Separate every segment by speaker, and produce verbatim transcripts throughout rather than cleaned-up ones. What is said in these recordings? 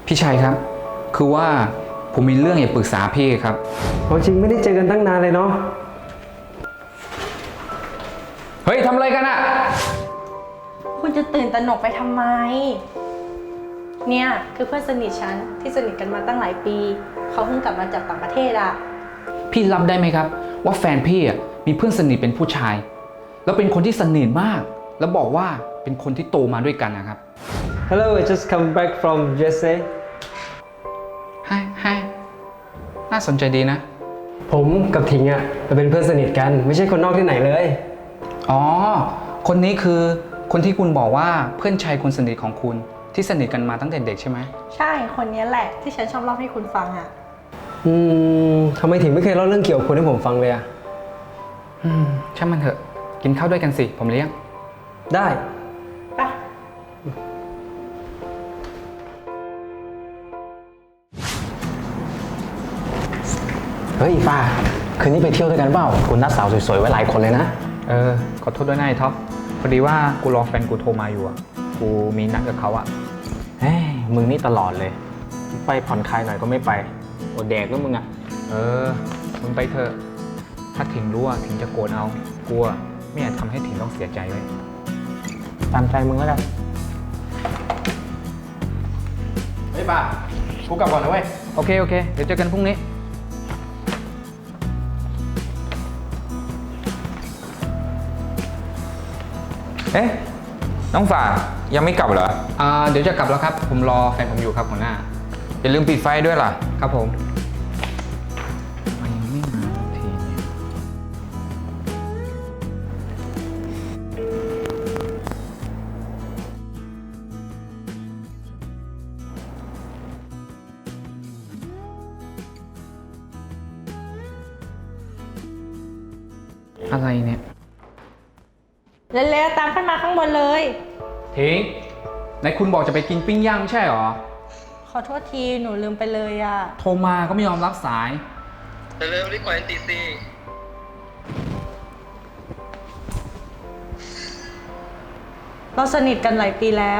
Speaker 1: พี่ชัยครับคือว่าผมมีเรื่องอยากปรึกษาพี่ครับ
Speaker 2: เอาจริงไม่ได้เจอกันตั้งนานเลยเนาะ
Speaker 1: เฮ้ยทำอะไรกันอะ
Speaker 3: คุณจะตื่นตระหนกไปทำไม เนี่ยคือเพื่อนสนิทฉันที่สนิทกันมาตั้งหลายปี เขาเพิ่งกลับมาจากต่างประเทศอะ
Speaker 1: พี่รับได้ไหมครับว่าแฟนพี่อะมีเพื่อนสนิทเป็นผู้ชาย แล้วเป็นคนที่สนิทมาก แล้วบอกว่าเป็นคนที่โตมาด้วยกันนะครับ
Speaker 2: Hello I just come back from ยู เอส เอ
Speaker 1: ให้ให้น่าสนใจดีนะ
Speaker 2: ผมกับทิงอ่ะเราเป็นเพื่อนสนิทกันไม่ใช่คนนอกที่ไหนเลย
Speaker 1: อ๋อคนนี้คือคนที่คุณบอกว่าเพื่อนชายคนสนิทของคุณที่สนิทกันมาตั้งแต่เด็กใช่ไหม
Speaker 3: ใช่คนนี้แหละที่ฉันชอบเล่าให้คุณฟังอะ
Speaker 2: อืมทำไมถึงไม่เคยเล่าเรื่องเกี่ยวกับคุณให้ผมฟังเลยอ่ะ
Speaker 1: อืมช่างมันเถอะกินข้าวด้วยกันสิผมเลี้ยง
Speaker 2: ได้
Speaker 3: ไป
Speaker 4: เฮ้ยฟ้าคืนนี้ไปเที่ยวด้วยกันเปล่าคุณนัดสาวสวยๆไว้หลายคนเลยนะ
Speaker 1: เออขอโทษด้วยนะไอ้ท็อปพอดีว่ากูรอแฟนกูโทรมาอยู่อ่ะกูมีนัดกับเขาอ่ะ
Speaker 4: เฮ้ยมึงนี่ตลอดเลยไปผ่อนคลายหน่อยก็ไม่ไปอดแดกแล้วมึงอะ
Speaker 1: เออมึงไปเถอะถ้าถิงรู้อ่ะถิงจะโกรธเอากลัวไม่อยากทำให้ถิงต้องเสียใจเลย
Speaker 4: ตามใจมึงแล้วกันเฮ้ยป้ากูกลับก่อนนะเว้ย
Speaker 1: โอเคโอเคเดี๋ยวเจอกันพรุ่งนี้
Speaker 5: เอ๊ะน้องฝ่ายังไม่กลับเหรอ
Speaker 1: อ่าเดี๋ยวจะกลับแล้วครับผมรอแฟนผมอยู่ครับหัวหน้า
Speaker 5: อย่าลืมปิดไฟด้วยล่ะ
Speaker 1: ครับผมทำไมยังไม่มาสักทีเนี่ยอะไรเนี่ย
Speaker 3: เร็วๆตามขึ้นมาข้างบนเลย
Speaker 1: ถิงไหนคุณบอกจะไปกินปิ้งย่างไม่ใช่เหรอ
Speaker 3: ขอโทษทีหนูลืมไปเลยอะ
Speaker 1: โทรมาก็ไม่ยอมรับสาย
Speaker 6: เร็วๆรีบกว่าตีสี่
Speaker 3: เราสนิทกันหลายปีแล้ว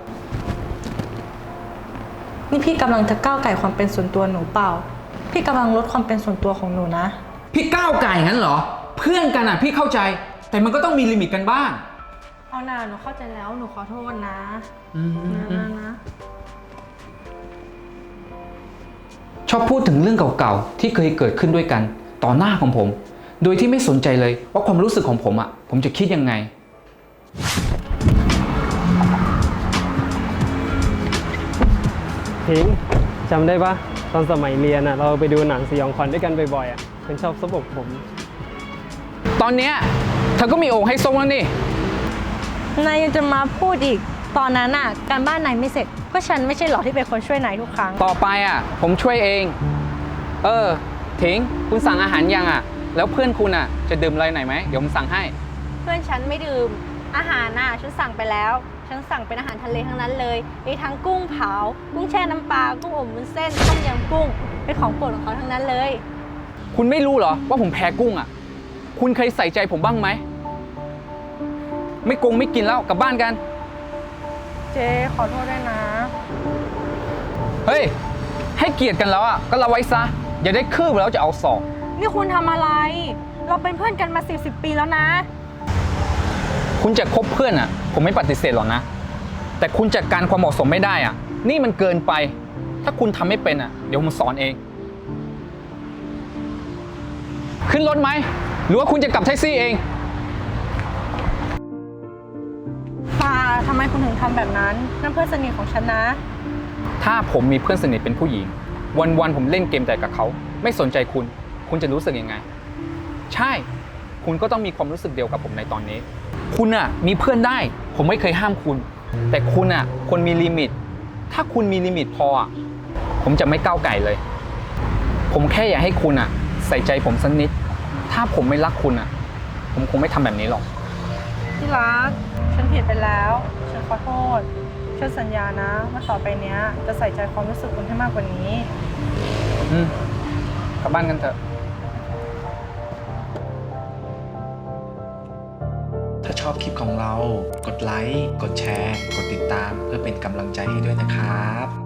Speaker 3: นี่พี่กำลังจะก้าวไก่ความเป็นส่วนตัวหนูเปล่า พี่กำลังลดความเป็นส่วนตัวของหนูนะ
Speaker 1: พี่ก้าวไก่งั้นเหรอ เพื่อนกันอ่ะพี่เข้าใจ แต่มันก็ต้องมีลิมิตกันบ้าง
Speaker 3: เอาหน่าหนูเข้าใจแล้วหนูขอโทษนะ
Speaker 1: อืม
Speaker 3: นะนะนะ
Speaker 1: ชอบพูดถึงเรื่องเก่าๆที่เคยเกิดขึ้นด้วยกัน ต่อหน้าของผม โดยที่ไม่สนใจเลยว่าความรู้สึกของผมอ่ะผมจะคิดยังไง
Speaker 2: ทิงจำได้ปะตอนสมัยเรียนอ่ะเราไปดูหนังสยองขวัญด้วยกันบ่อยๆอ่ะคุณชอบซบอกผม
Speaker 1: ตอนเนี้ยเธอก็มีโอ่งให้ส้มแล้วนี่
Speaker 3: นายยังจะมาพูดอีก ตอนนั้นน่ะการบ้านนายไม่เสร็จ ก็ฉันไม่ใช่หรอที่เป็นคนช่วยนายทุกครั้ง
Speaker 1: ต่อไปอ่ะผมช่วยเอง เออถิงคุณสั่งอาหารยังอ่ะ แล้วเพื่อนคุณอ่ะจะดื่มอะไรหน่อยไหมเดี๋ยวผมสั่งให้
Speaker 3: เพื่อนฉันไม่ดื่ม อาหารน่ะฉันสั่งไปแล้ว ฉันสั่งเป็นอาหารทะเลทั้งนั้นเลย มีทั้งกุ้งเผา กุ้งแช่น้ำปลา กุ้งอบวุ้นเส้น ต้มยำกุ้ง เป็นของโปรดของเขาทั้งนั้นเลย
Speaker 1: คุณไม่รู้เหรอว่าผมแพ้กุ้งอ่ะ คุณเคยใส่ใจผมบ้างไหม ไม่กงไม่กินแล้วกลับบ้านกัน
Speaker 3: เจ๊ขอโทษด้วยนะ
Speaker 1: เฮ้ย ให้เกียรติกันแล้วอ่ะก็ละไว้ซะ อย่าได้คืบแล้วจะเอาศอก
Speaker 3: นี่คุณทำอะไร เราเป็นเพื่อนกันมาสิบสิบปีแล้วนะ
Speaker 1: คุณจะคบเพื่อนอ่ะ ผมไม่ปฏิเสธหรอกนะ แต่คุณจัดการความเหมาะสมไม่ได้อ่ะ นี่มันเกินไป ถ้าคุณทำไม่เป็นอ่ะ เดี๋ยวผมสอนเอง ขึ้นรถไหม หรือว่าคุณจะกลับแท็กซี่เอง
Speaker 3: ปาทำไมคุณถึงทำแบบนั้น นั่นเพื่อนสนิทของฉันนะ
Speaker 1: ถ้าผมมีเพื่อนสนิทเป็นผู้หญิง วันๆผมเล่นเกมแต่กับเขา ไม่สนใจคุณ คุณจะรู้สึกยังไง ใช่ คุณก็ต้องมีความรู้สึกเดียวกับผมในตอนนี้ คุณอ่ะมีเพื่อนได้ ผมไม่เคยห้ามคุณ แต่คุณอ่ะควรมีลิมิต ถ้าคุณมีลิมิตพออ่ะผมจะไม่ก้าวไก่เลย ผมแค่อยากให้คุณอ่ะใส่ใจผมสักนิด ถ้าผมไม่รักคุณอ่ะ ผมคงไม่ทำแบบนี้หรอก
Speaker 3: ที่รัก ฉันผิดไปแล้ว ฉันขอโทษฉันสัญญานะว่าต่อไปเนี้ยจะใส่ใจความรู้สึกคุณให้มากกว่านี้
Speaker 1: อืมกลับบ้านกันเถอะ
Speaker 7: ถ้าชอบคลิปของเรา กดไลค์ กดแชร์ กดติดตามเพื่อเป็นกำลังใจให้ด้วยนะครับ